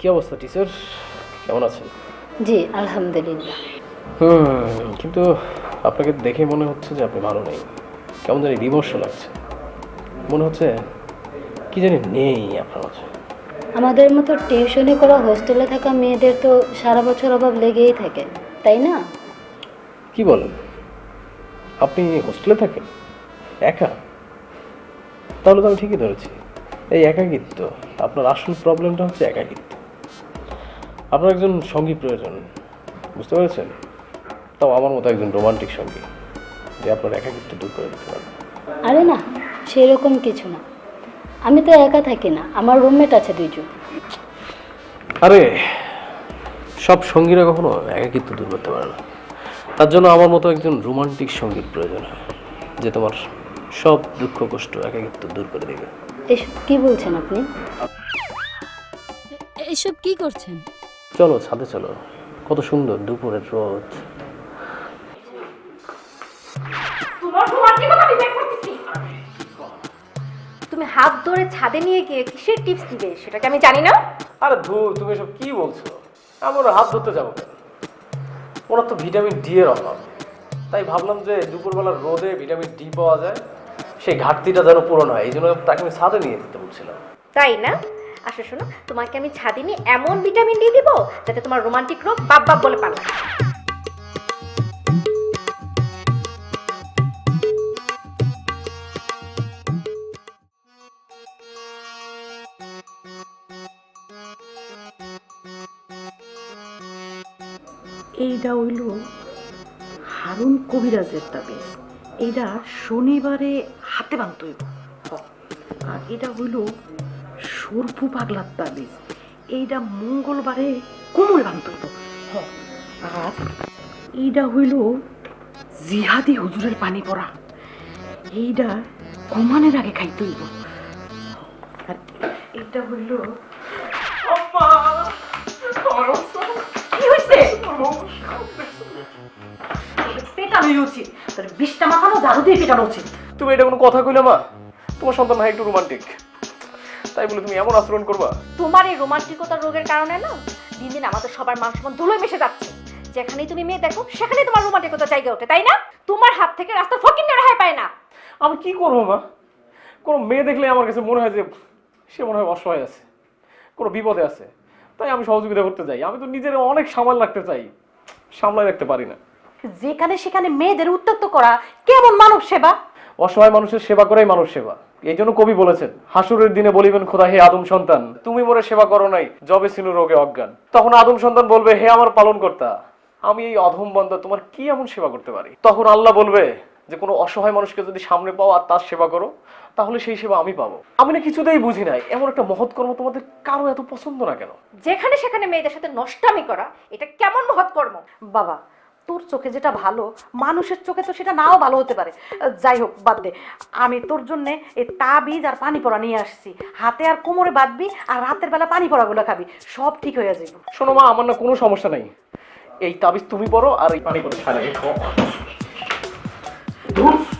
কি অবস্থা টিচার, কেমন আছেন? জি আলহামদুলিল্লাহ। কিন্তু আপনাকে দেখে মনে হচ্ছে যে আপনি ভালো নেই, কেমন জানি বিমর্ষ লাগছে, মনে হচ্ছে কি জানি নেই আপনার মাঝে। আমাদের মতো টিউশনি করা হোস্টেলে থাকা মেয়েদের তো সারা বছর অভাব লেগেই থাকে, তাই না? কি বলেন, আপনি হোস্টেলে থাকেন একা? তাহলে তো আমি ঠিকই ধরেছি, এই একাকিত্ব আপনার আসল প্রবলেমটা হচ্ছে একাকিত্ব। আপনার একজন সঙ্গী প্রয়োজন, বুঝতে পেরেছেন? তাও আমার মতো একজন রোমান্টিক সঙ্গী, যে আপনার একাকিত্ব দূর করে দিতে পারবে। আরে না, সেরকম কিছু না। আমি তো একা থাকি না, আমার রুমমেট আছে দুইজন। আরে সব সঙ্গীরা কখনো একাকিত্ব দূর করতে পারে না, তার জন্য আমার মতো একজন রোমান্টিক সঙ্গীর প্রয়োজন হয়, যে তোমার সব দুঃখ কষ্ট একাকিত্ব দূর করে দেবে। এসব কি বলছেন আপনি? এসব কি করছেন? চলো ছাদে চলো, কত সুন্দর দুপুরের রোদ। তুমি হাত ধরে ছাদে নিয়ে গিয়ে কিসের টিপস দিবে সেটাকে আমি জানি না। আরে ধুর, তুমি এসব কি বলছো? আমরা হাত ধরতে যাবো কেন? ওরা তো ভিটামিন ডি এর অভাব, তাই ভাবলাম যে দুপুরবেলার রোদে ভিটামিন ডি পাওয়া যায়, সেই ঘাটতিটা যেন পূরণ হয়, এই জন্য তাকে আমি ছাদে নিয়ে যেতে বলছিলাম। তাই না? আসো শোনো, তোমাকে আমি ছাদে নিয়ে এমন ভিটামিন ডি দিব যাতে তোমার রোমান্টিক রোগ বাপ বাপ বলে পালা। এইটা হইল হারুন কবিরাজের তাবিজ। এইটা শনিবারে হাতে বাঁধতে হইব। আর এটা হইল সরফু পাগলার তাবিজ। এইটা মঙ্গলবারে কোমরে বাঁধতে হইব। আর এইটা হইল জিহাদি হুজুরের পানি পড়া। এইটা ঘুমানোর আগে খাইতে হইব। আর এইটা হইল কি হয়েছে? পেটানো উচিত, তোর বিষটা মাখানো ঝাড়ু দিয়ে পেটানো উচিত। তুমি এটা কোনো কথা কইলে মা? তোমার সন্তান ভাই একটু রোমান্টিক, তাই বলে তুমি এমন আচরণ করবা? তোমার এই রোমান্টিকতার রোগের কারণে না দিন দিন আমাদের সবার মান সম্মান ধুলোয় মিশে যাচ্ছে। যেখানেই তুমি মেয়ে দেখো সেখানেই তোমার রোমান্টিকতা জায়গা ওঠে, তাই না? তোমার হাত থেকে রাস্তা ফকিন্নের রেহাই পায় না। আমি কি করবো মা? কোনো মেয়ে দেখলে আমার কাছে মনে হয় যে সে মনে হয় অসহায় আছে, কোনো বিপদে আছে, তাই আমি সহযোগিতা করতে চাই। আমি তো নিজের অনেক সামাল রাখতে চাই, সামলায় রাখতে পারি না। যেখানে সেখানে মেয়েদের উত্ত্যক্ত করা কেমন মানব সেবা? অসহায় মানুষের সেবা করাই মানুষ সেবা। এই জন্য কবি বলেছেন, হাসুরের দিনে বলিবেন খোদা, হে আদম সন্তান, তুমি মোরে সেবা করো নাই, জবে ছিনু রোগে অজ্ঞান। তখন আদম সন্তান বলবে, হে আমার পালন কর্তা, আমি এই অধম বান্দা তোমার কি এমন সেবা করতে পারি? তখন আল্লাহ বলবে যে কোনো অসহায় মানুষকে যদি সামনে পাও আর তার সেবা করো, তাহলে সেই সেবা আমি পাবো। আমি না কিছুতেই বুঝি নাই, এমন একটা মহৎ কর্ম তোমাদের কারো এত পছন্দ না কেন? যেখানে সেখানে মেয়েদের সাথে নষ্টামি করা এটা কেমন মহৎ কর্ম? বাবা, তোর চোখে যেটা ভালো মানুষের চোখে তো সেটা নাও ভালো হতে পারে। যাই হোক, বাদ দে। আমি তোর জন্য এই তাবিজ আর পানি পড়া নিয়ে আসছি। হাতে আর কোমরে বাঁধবি আর রাতের বেলা পানি পড়াগুলো খাবি, সব ঠিক হয়ে যাবে। শোনো মা, আমার না কোনো সমস্যা নাই, এই তাবিজ তুমি পড়ো আর এই পানি পড়ো।